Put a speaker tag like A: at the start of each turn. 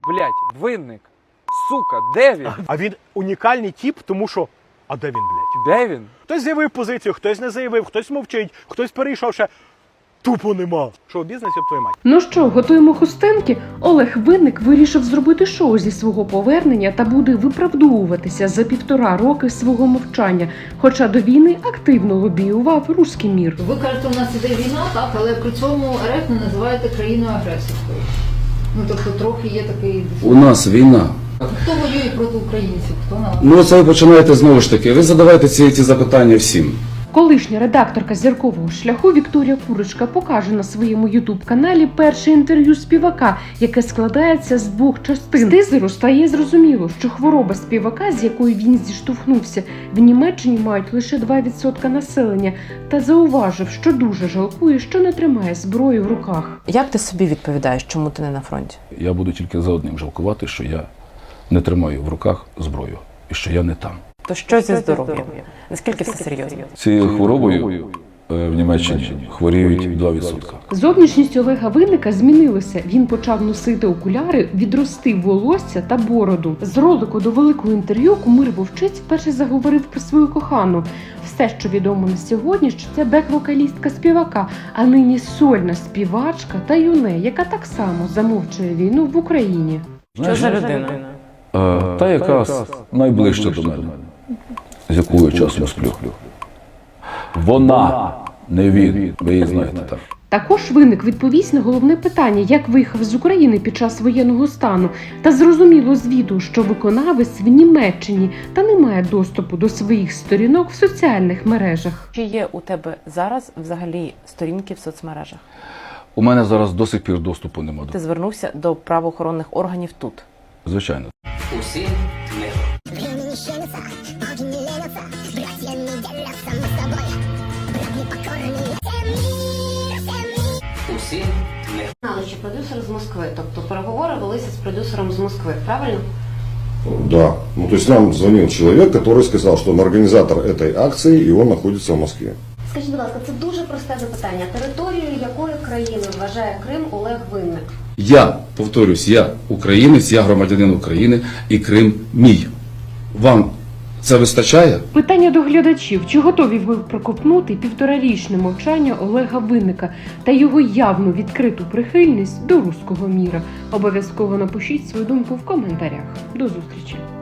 A: Блять, Винник. Сука, де він?
B: А він унікальний тип, тому що... А де він, блядь?
A: Де він?
B: Хтось заявив позицію, хтось не заявив, хтось мовчить, хтось перейшов ще. Тупо нема. Шоу-бізнес, об твою мать.
C: Ну що, готуємо хустинки? Олег Винник вирішив зробити шоу зі свого повернення та буде виправдовуватися за 1,5 роки свого мовчання, хоча до війни активно лобіював руський мір.
D: Ви кажете, у нас іде війна, так, але при цьому РФ не називаєте країною агресорською. Ну, тобто трохи є такий...
E: У нас війна.
D: Хто воює проти українців? Хто на вас?
E: Ну це ви починаєте знову ж таки. Ви задавайте ці запитання всім.
C: Колишня редакторка «Зіркового шляху» Вікторія Курочка покаже на своєму ютуб-каналі перше інтерв'ю співака, яке складається з 2 частин. З тизеру стає зрозуміло, що хвороба співака, з якою він зіштовхнувся, в Німеччині мають лише 2% населення, та зауважив, що дуже жалкує, що не тримає зброю в руках.
F: Як ти собі відповідаєш, чому ти не на фронті?
E: Я буду тільки за одним жалкувати, що я не тримаю в руках зброю і що я не там.
F: То що зі здоров'ям? Наскільки все серйозно?
E: Цією хворобою в Німеччині хворіють 2%.
C: Зовнішність Олега Винника змінилася. Він почав носити окуляри, відростив волосся та бороду. З ролику до великого інтерв'ю кумир Вовчиць вперше заговорив про свою кохану. Все, що відомо на сьогодні, що це бек-вокалістка співака, а нині сольна співачка та юне, яка так само замовчує війну в Україні.
F: Що за людина?
E: Та яка найближча до мене, з якою я часом сплю. Вона, не він, ви її знаєте так.
C: Також Винник відповість на головне питання, як виїхав з України під час воєнного стану. Та зрозуміло з відео, що виконавець в Німеччині та не має доступу до своїх сторінок в соціальних мережах.
F: Чи є у тебе зараз взагалі сторінки в соцмережах?
E: У мене зараз до сих пір доступу нема.
F: Ти звернувся до правоохоронних органів тут?
E: Звичайно.
G: Усім миру. Усім миру.
H: Знали, що продюсер з Москви, тобто переговори велися з продюсером з Москви, правильно?
I: Да. Ну, то есть нам звонил человек, который сказал, что он организатор этой акции, и он находится в Москве.
H: Скажіть, будь ласка, це дуже просте запитання. Територією якої країни вважає Крим Олег Винник?
E: Я, повторюсь, я українець, я громадянин України і Крим мій. Вам це вистачає?
C: Питання до глядачів. Чи готові ви проковтнути 1,5-річне мовчання Олега Винника та його явну відкриту прихильність до руського міра? Обов'язково напишіть свою думку в коментарях. До зустрічі!